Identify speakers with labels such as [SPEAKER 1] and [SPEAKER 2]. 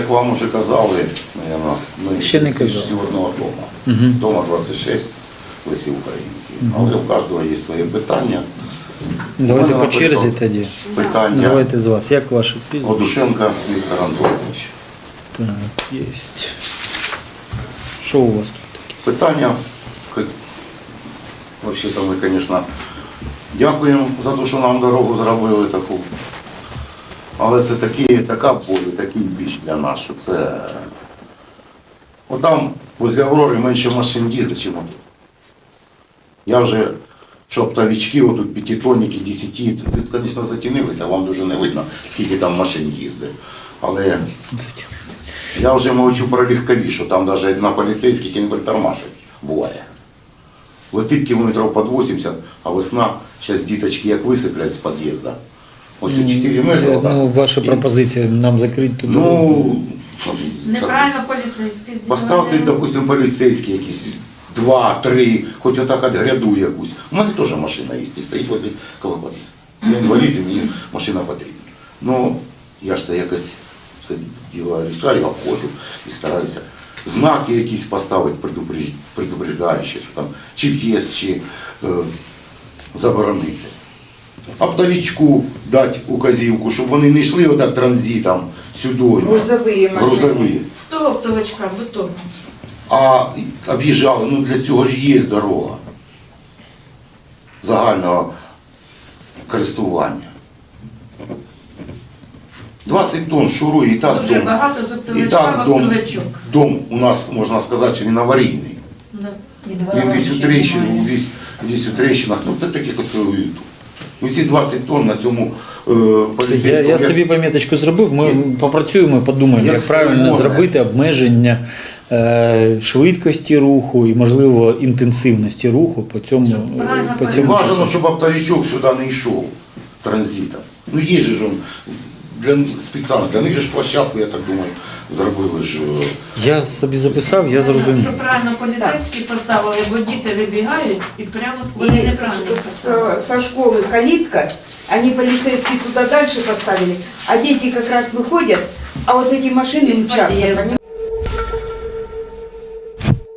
[SPEAKER 1] Як вам вже казали, ми
[SPEAKER 2] Ще не
[SPEAKER 1] всі
[SPEAKER 2] казали.
[SPEAKER 1] з одного дому. Дома 26 в Лесі Українки. Але у кожного є своє питання.
[SPEAKER 2] Давайте
[SPEAKER 1] У мене,
[SPEAKER 2] по черзі
[SPEAKER 1] наприклад,
[SPEAKER 2] тоді.
[SPEAKER 1] Питання
[SPEAKER 2] Давайте з вас. Як ваше прізвище?
[SPEAKER 1] Одушенка Віктор Антонович.
[SPEAKER 2] Так, є. Що у вас тут таке?
[SPEAKER 1] Питання, взагалі-то ми, звісно, дякуємо за те, що нам дорогу зробили таку. Але це така боль, такий біч для нас, що це... От там, возле Аврори, менше машин їздить, ніж тут. Я вже, що оптовички, отут п'ятитонники, 10, тут, звісно, затінилися, вам дуже не видно, скільки там машин їздить. Але я вже мовчу про легкові, що там навіть на поліцейських не притормажують, буває. Летить кілометрів під 80, а весна, зараз діточки як висиплять з під'їзду. Ось 4 метри.
[SPEAKER 2] Ну, ваша пропозиція нам закрити тут.
[SPEAKER 1] Ну,
[SPEAKER 3] Неправильно поліцейський
[SPEAKER 1] поставте, допустим, поліцейські якісь 2-3, хоч отак от гряду якусь. У мене теж машина є, і стоїть возле коло під'їзду. Я інвалід, і мені машина потрібна. Ну, я ж то якось це діло рішаю, обходжу і стараюся. Знаки якісь поставити, предупреждаючі, що там чи в'їзд, чи заборонити. Оптовичку дати указівку, щоб вони не йшли отак транзитом сюди.
[SPEAKER 4] Грузові машини.
[SPEAKER 1] Грузові.
[SPEAKER 3] З того оптовичка, бетонного.
[SPEAKER 1] А об'їжджали, ну для цього ж є дорога загального користування. 20 тонн шурує, і так
[SPEAKER 3] Дуже
[SPEAKER 1] дом,
[SPEAKER 3] багато з
[SPEAKER 1] і
[SPEAKER 3] оптовичка
[SPEAKER 1] так
[SPEAKER 3] в оптовичок.
[SPEAKER 1] дом у нас, можна сказати, що він аварійний.
[SPEAKER 3] Да.
[SPEAKER 1] Він весь у трещинах, ну це таке коцелують. Ну ці 20 тонн на цьому поліцейському...
[SPEAKER 2] Я собі пам'яточку зробив, ми попрацюємо і подумаємо, як правильно зробити обмеження швидкості руху і, можливо, інтенсивності руху по цьому.
[SPEAKER 1] Бажано, щоб оптовичок сюди не йшов транзитом. Ну є ж он, спеціально, для них же ж площадку, я так думаю, зробили ж.
[SPEAKER 2] Я собі записав, я зрозумів.
[SPEAKER 3] Щоб правильно поліцейські поставили, бо діти вибігають і прямо вони
[SPEAKER 4] И
[SPEAKER 3] неправильно поставили.
[SPEAKER 4] со школы калитка, они полицейские туда дальше поставили, а дети как раз выходят, а вот эти машины
[SPEAKER 3] Из
[SPEAKER 4] мчатся.
[SPEAKER 3] подъезда.